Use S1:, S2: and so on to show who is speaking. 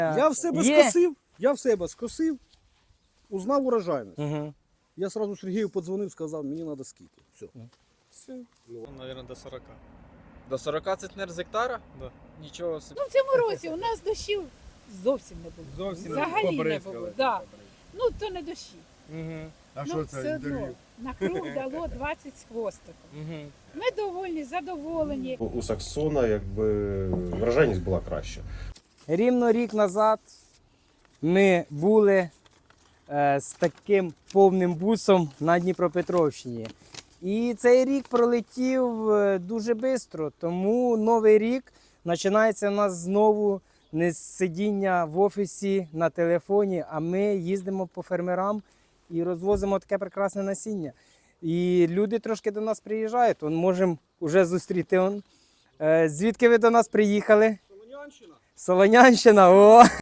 S1: Я в себе скосив, узнав урожайність.
S2: Угу.
S1: Я сразу Сергію подзвонив, сказав, мені треба скільки. Все.
S3: Все. Ну, наверное, до 40.
S4: До 40 центнер з гектара?
S3: Да.
S4: Нічого собі.
S5: Ну, в цьому році у нас дощів зовсім не було.
S6: Зовсім
S5: Взагалі не було. Да. Ну, то не дощі.
S2: Угу.
S6: А
S5: Ну,
S6: що
S5: все
S6: це
S5: одно
S6: інтерв'ю?
S5: на круг дало 20 з хвостиком.
S2: Угу.
S5: Ми довольні, задоволені.
S7: У Саксона якби врожайність була краща.
S2: Рівно рік назад ми були з таким повним бусом на Дніпропетровщині. І цей рік пролетів дуже швидко, тому новий рік починається у нас знову не з сидіння в офісі на телефоні, а ми їздимо по фермерам і розвозимо таке прекрасне насіння. І люди трошки до нас приїжджають, можемо вже зустріти. Звідки ви до нас приїхали?
S1: Солонянщина.
S2: Солонянщина, о!